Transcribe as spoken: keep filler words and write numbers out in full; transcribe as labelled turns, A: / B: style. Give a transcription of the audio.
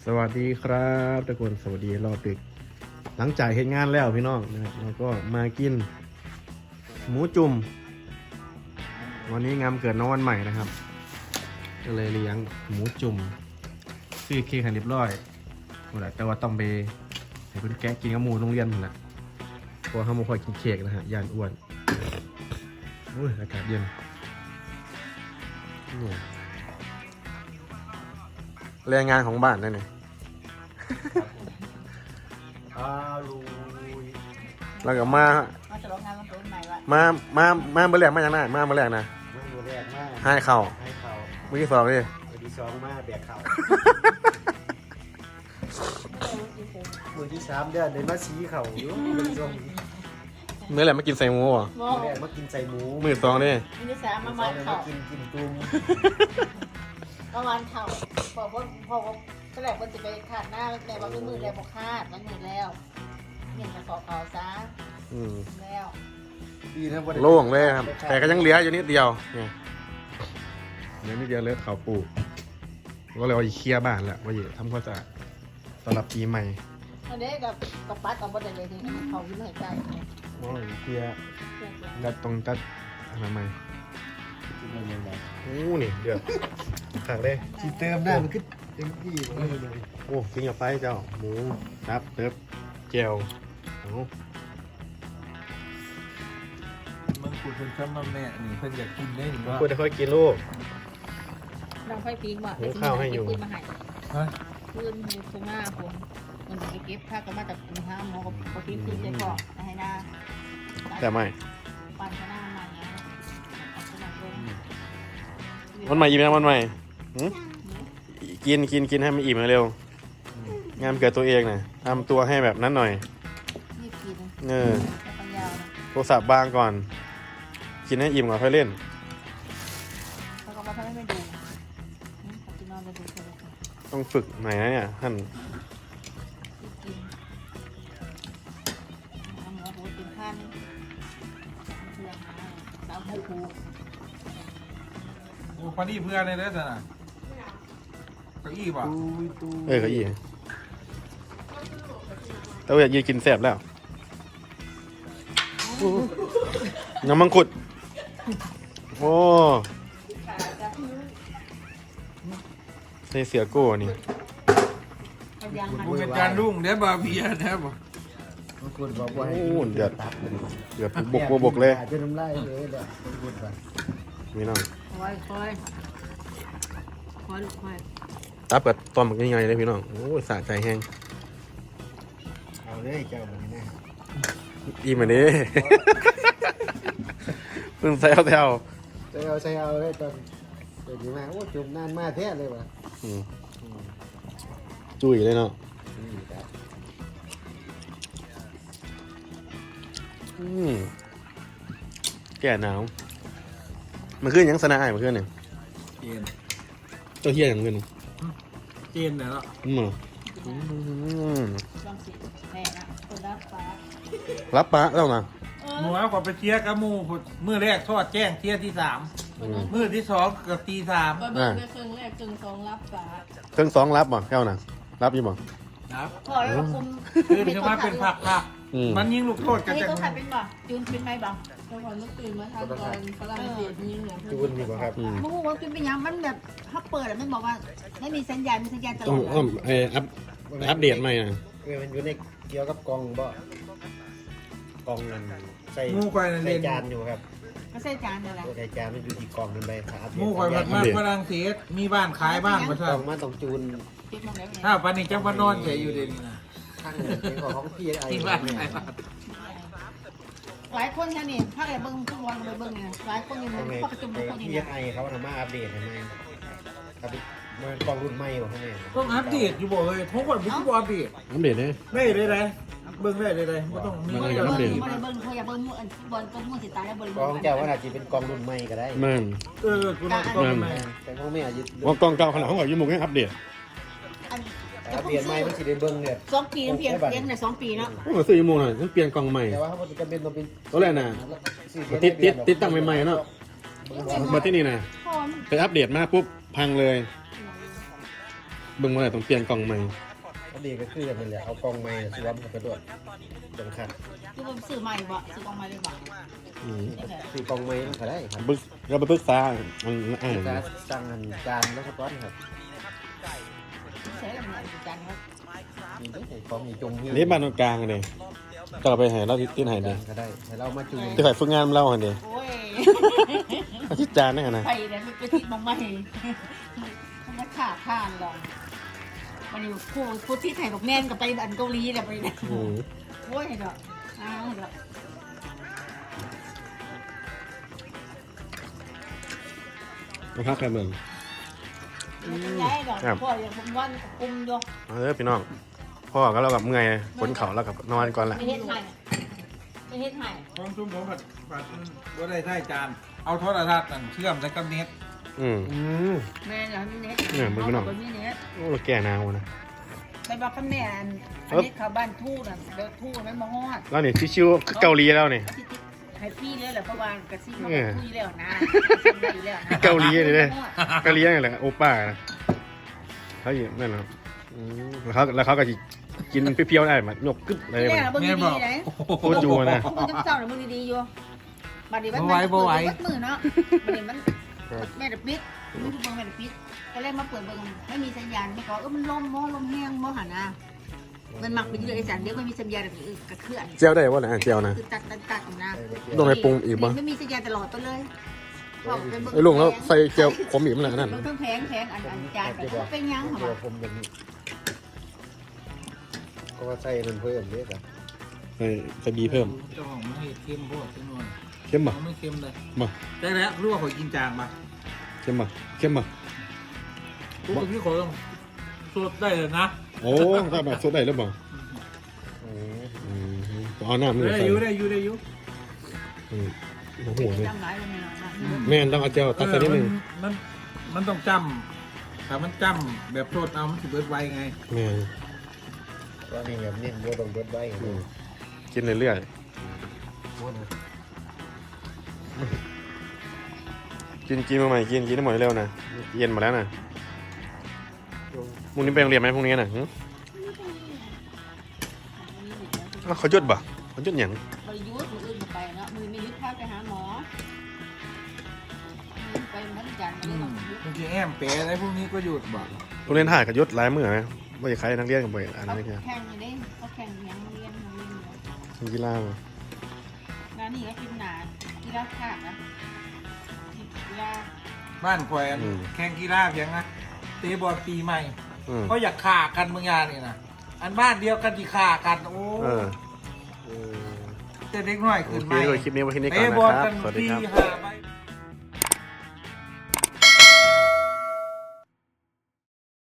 A: สวัสดีครับทุกคนสวัสดีรอบดึกหลังจากเห็นงานแล้วพี่น้องนะครับเราก็มากินหมูจุ่มวันนี้งานเกิดน้องวันใหม่นะครับก็เลยเลี้ยงหมูจุ่มซื้อเค้กให้เรียบร้อยหมดแล้วแต่ว่าต้องไปให้คุณแกะกินกับหมูโรงเรียนหมดแล้วเพราะว่าเขาไม่ค่อยกินเค้กนะฮะย่านอ้วนอุ้ยอากาศเย็นแรงงานของบ้านนั่นเองแล้วก็มา
B: มาฉลองงานวันเกิดใหม่วะ
A: มา มา มาเมื่อแรกมาอย่างไรมาเมื่อแรกนะ
C: มือแรกมาก
A: ให้เข่า
C: ให้เขา
A: มือที่สองดิ
C: มือที่สองมาแบกเขามือที่สามเดือนเลยมาชี้เขาอยู่มือสอง
A: เมื่อแรกมากินใส่หมูเหรอ
B: โม
C: มือแรกมากินใส่หมู
A: มือสองดิ
B: มินิสาม
C: มื
B: มา
C: อส
B: วั
C: อง
B: น
C: เลย
B: เข่า
C: มากินกินตุ้ม
B: มาวันเข่าพอพอพอก็แหลกมันจะไปขาดหน้าแม่ว่ามือแล้วบอกขาดมันมือแล้วเงี้ยจะสอบเขาซะ
A: อืม
B: แล้ว
C: ดีนะบ่ได้
A: โล่งเลยครับ แต่ก็ยังเหลืออยู่นิดเดียวเนี่ยเหลือนิดเดียวเลยเขาปลูกก็เลยเอาอีเคลียร์บ้านแหละว่าอยู่ทำความสะอาดต้อนรับปีใหม่
B: อันนี้กับกับปัดกับบดเลยทีนี้เขายิ้มให้ใจ
A: โอ้ยเคลียร์จัดตรงจัดอนามัยโอ้นี่เดือดขักเลย
C: ที่เติมได้มันขึ้นเต็มที่เลย
A: โอ้กินกับไฟเจ้าหมูครับเติบเจลโอ้
D: มึงกูเพิ่นซ้ำมาแม่นี่เพิ่นอยากกินได้หรือว่า
A: ควรจะค่อยกินลูก
B: น้องไฟพิงว่า
A: หุงข้าวให้อยู่
B: ขึ้นมาให้
D: ฮะ
B: ขึ้นอยู่ตรงหน้าผมมันจะไปเก็บถ้าก็มาจากคุณห้ามหมอก็พิงขึ้นใจก่อนให้หน้า
A: แต่ไม่
B: ปั่นข้างหน้ามาเนี้ยเอาขนาดลง
A: วันใหม่อิ่มยังวันใหม่หืมกินกินกินให้มันอิ่มเร็วงานเกิดตัวเองนะทำตัวให้แบบนั้นหน่อย
B: นี่กิน
A: เออ
B: แล้วก็ยาวนะ
A: โทรศัพท์บางก่อน กินให้อิ่มก่อนค่อยเล่น
B: แล้วก็มาทำให้ไม่ดูอืมขอจะนอนไปดูโทรศัพท์
A: ต้องฝึกหน่อยนะเนี่ยท่าน
B: ที่กินน้ำหมูหูติ่มพันเพื่อนมาสาวหูหู
D: โอ้พอดีเพื่อนเลยเด้อจ้ะน่ะเก้าอี้ป่ะ
C: ตู้ตู้
A: เออเก็อีแต่ว่าอยากยืนกินแซ่บแล้วน้ำมังคุดโอ้ใส่เสือโก้นี่
B: เอายางมัน
D: กูเป็นจานรุ่งเด้อบาเบียนะบ่
C: บางคนบอกว่าให้
A: โอ้เดือดเดือดบกบกบกเลย
C: จะน้ำลายเลยแหละบางคนว่า
A: นี่น้อง
B: คอยคอยคอยลูกคอย
A: ตับกับตอมยังไงเลยพี่น้องโอ้ยสะใจแห้ง
C: เอาเลยเจ้าแบบนี้นะ
A: อิ่มอันนี้ เพิ่งแซวแซว
C: ใส่เอาใส่เอาเลยตอนเดี๋ยวนี้มาโอ้จุ่มนานมาแท้เลยว่ะ
A: อืมจุ้ยเลยเนาะ
C: นี่ครับ
A: อืมแก่หนาวมันขึ้นยังสนาไอ้มันขึ้นเนี่ย
D: เจน
A: เจ้าเฮียอย่างเงิน
D: เจนน่ะเนาะ
A: อืมอืม
B: ลองสิแม่นะคนรับฟ้า
A: รับปะแล้วนะ
D: หมูเอาขอไปเชียร์กับหมูพุ่นมื้อแรกทอดแจ้งเที่ยที่สาม
A: อืม
D: มื้อที่สองกับตีสาม
B: ก็เบิ่งได้ครึ่งแรกครึ่งสองรับฟ้า
A: เครื่องสองรับบ่แก้วน่ะรับอยี่บ่
D: ครับ
B: พอแล้วคุม
D: คือคือว่าเป็นผักผัก
A: อืม
D: มันยิงลูกโทษ
B: อั
D: กัน น
B: นี้
D: จัง
B: ก็ขัดเป็นบ่จูนเป็นไหมบ่
E: ตอนเมื่อคืนมาทานตอนฝรั่งเศสนี่เนี่ย
C: จูนนี่บ่ครับ
A: อืม
B: มึงว่าจูนเป็นยังมันแบบถ้าเปิดอะมันบอกว่าไม่มีสัญญาณมีสัญญาณตล
A: ต้
B: อ
A: อง
B: ด
A: อ้อมไออัพอัปเดตใหม่นะ
C: เออมันอยู่ในเกี่ยวกับกล่องบ่กล่องนั้นใส่
D: หมูควาย
C: ใส่
D: เล่น
C: จานอยู่ครับ
B: ไม่ใช่จานอะไร
C: ตัวใส่จานมันอยู่ที่กล่องนั่นไปครับ
D: หมูควายมันมาฝรั่งเศสมีบ้านขายบ้านประ
C: ก
D: ชา
C: ล่องมาต้องจูน
B: คิดมาแล้ว
D: ถ้าปานนี้จังว่านอนเฉยอยู่เดี๋ยวนี้นะ
C: ข้างหนึ่งเป็นของพี่ไอ้
D: ที่บ้านขายบ้าน
B: หลายคนแค่นี้ถ้าเราเบิ้งทุกวันเราเบิ้งเนี่ยหลายคนนี่
C: ทำไง
B: เขาประชุมทุกคนนี่
C: พี่ไอเขาทำมาอัปเดตทำไมครับมันกล่องรุ่นใหม่บ่ข้างใน
D: ต้องอัปเดตอยู่บ่เอ้ยทุกคนไม่ต้องอัปเดต
A: อัปเดตเนี่ย
D: ได้เลยเลยเบิ่งได้เลยเลยไม่ต้องมี
A: มัน
B: ไม่
A: ก็
B: ได้
A: ยัง
B: เบิ้
A: อัปเดต
B: งไม่ได้เบิ้งเขาอย่าเบิ้งมือบอลก็มือสิตายแล้วเบิ้ง
C: กล่องเจ้าว่าอาจจะเป็นกล่องรุ่นใหม่ก็ได้
A: มัน
D: เออคุณต้องต้องไหม
C: แต่ของแม่อาจจะ
A: ว่ากล้องเก่าขนาดของเราอยู่มุกยังอัปเดต
C: อัปเดตใหม่มันสิได้เบิ่งเนี่ย
B: สองปีเพียงเพียงในสองปีเนาะ
A: โอ้ซื้ออยู่มุกน่ะต้องเปลี่ยนกล้องใหม่
C: แต่ว่าเขาจะเป็นต้องเป็น
A: ตัวแรกน่ะติดติดติดตั้งใหม่ๆเนาะมาที่นี่นะ
B: พอม
A: ไปอัปเดตมาปุ๊บพังเลยเบิ่งเมื่อไหร่ต้องเปลี่ยนกล่องใหม่
C: อันนี้ก็คืออย่างนั้นแหละเอากล่องใหม่สวมกับกระโดดจังคัน
B: คือผมซื้อใหม่บ่ซื้อกองใหม่เลยบ่
A: อืม
B: นี่แหละ
C: คือกล่องใหม่ก็ได้ครับ
A: บึกเราไปปรึกษาอันอ่าน
C: จะสั่งอันจานแล้วก็ก้อนครับ
B: ใช้อะไรจันครับ
C: มีได้ของมีจุ่ม
A: นี่บ้านตรงกลางเลยก็เราไปให้เราที่ที่ไหนเด้
C: ก็ได้ให้เรามาจุ่ม
A: ที่ข่อยฝึกงานเราหันเด้
B: โอ้ย
A: อาทิตย์จานนี่นะ
B: ไปเนี่ยมันไปติดมองไม่มันก็ขาดข้างหรอกวันนี้ผู้ผู้ที่ไทยบอกแน่นกับไปอันเกาหลีเนี่ยไปเนี่ย
A: อืม
B: โอ้ยเนาะอ้าวเนาะ
A: มาพักกันเมือง
B: มันย้ายดอกพ่ออย่างผมวันกุมอยู่
A: มาเด้อพี่น้องพ่อก็เรากับเมื่อยคนเขาเรากับนอนก่อนแหละ
B: ไม่เฮ็ดให้ไม่เฮ็ดให้
D: ความชุ่มผมแบบแบบว่าได้ใช่จานเอาโทรทัศน์นั่นเชื่อมใส่กับเน็ต
A: อืม
C: อืม
B: แม่อย่างนี้เน็ต
A: เนี่ยมึงไม่น้อง
B: เอาแบบนี้เน็ต
A: โอ้เราแก่นาวนะ
B: ไปบอกกับแม่อันอันนี้เขาบ้านทู่น่ะเดี๋ยวทู่มันมาฮอด
A: แล้วนี่ชิวๆคือเกาหลีแล้วนี่
B: ที่ติดให้พี่เลยแหละเพราะว่ากระซิบมา
A: เออ
B: คุยแล้วนะทำได้แล้วนะ
A: เกาหลีเลยเด้เกาหลีนี่แหละโอป้านะเขาอยู่นั่นนะอืมแล้วเขาแล้วเขาก็สิกินเปรี้ยวๆได้มายกกึ๊บอะไร
B: ที่
A: แบบ
B: แรก
A: นี้
B: เราเบิ่งดีๆไหน
A: โคตรอยู่นะ
B: มึงจำเจ้าหรือมึงดีๆอยู่บัดนี้มัน
D: บ่ไหวบ่ไหว
B: เปิดมือเนาะบัดนี้มันแม่เด็กปิดมึงดูเบิ่งแม่เด็กปิดก็เลยมาเปิดเบิ่งไม่มีสัญญาณไม่ขอเออมันลมมอลมแห้งมอหันนะมันหมักไปเรื่อยๆไอ้สันเดี๋ยวไม่มีสัญญาณแบบอื่นกระเคลื่อน
A: เจียวได้ว่าไหนะเจียวนะ
B: คือตัดตัดตัดนะ
A: ลงไปปรุงอีกบ่
B: ไม่มีสัญญาณตลอดไปเลยบอกเป็นเบิ่
A: ไอ้ลุงแล้วใส่เจียวขมอีกมั้ยล่ะนั่น
B: เบิ่งเครื่องแพงแพงอันอันจานไปเป็นยังเหร
C: ตัว
B: อ
C: ผมอย่างนี้ก็ว่าใส่มันเพิ่มเยอะครับ
A: ใส่ใส่บีเพิ่ม
D: เจ้าของไม่ให้เข้มโพดจำนวน
A: เข้มบ่
D: เขาไม่เข้มเลย
A: บ่
D: ได้แล้วรู้ว่าเขากินจางมา
A: เข้มบ่เข้มบ่
D: ทุกที่เขาต้องสดได้เลยนะ
A: โอ้ถ้าแบบสดได้แล้วบ่
C: อืม
A: อืมเอาน้ำนี่
D: ได้
A: ใส่
D: อยู่ได้อยู่ได้อยู่
A: อืมโอ้โหเลย
B: จำหลายวันนี้เนาะ
A: แม่นต้องเอาเจียวตักใส่นิดนึง
D: มันมันต้องจำถ้ามันจำแบบโทษเอามันสิเบิดไวไง
A: แม่น
C: ก็นี่แบบนี้บัวต้องเบิดไว้
A: อืมกินเรื่อย
C: บัวนะ
A: ๆกินกินมาใหม่กินกินให้หมดเร็วนะเย็นหมดแล้วนะพรุ่งนี้ไปโรงเรียนไหมพรุ่งนี้น่ะหึอ้าวเขาหยุดบ่เขาหยุดหยัง
B: บริยุทธ์มืออื่นไปเนาะมือมียุทธ์พาไปหาหมอไปมันจันทร์ไม่ได้ต้องยุทธ์
D: บางทีแอมเป๋อะไรพวกนี้ก็หยุดบ่
A: โรงเรียนถ่ายกับหยุดหลายมื้อไหมว่าจะใครนักเรียนกับบ่อยอัน
B: เขา
A: นี้แค่
B: แข่งอยู่เด้เขาแข่งยังเรียนเรียนอยู่
A: ทำกีฬาบ่
B: งานนี่ก็กินหนากีฬาขาดนะกีฬา
D: บ้านแขวนแข่งกีฬาเพียงนะเตะบอลปีใหม่
A: อืม
D: ก็อยากฆ่ากันบางอย่างนี่นะอันบ้านเดียวกันที่ฆ่ากันโอ้
A: เออ
C: เออ
D: เจะเด็กน้อย
A: โอ
D: ขึ้น
A: เค
D: ไหม
A: ด้วยคลิปนี้ไว้ที่นี่ก่อน
D: เตะ
A: นะ
D: บอล
A: ครั
D: กับ น
A: สวัสดี
D: ปี
A: ครับ
D: ห้าใบ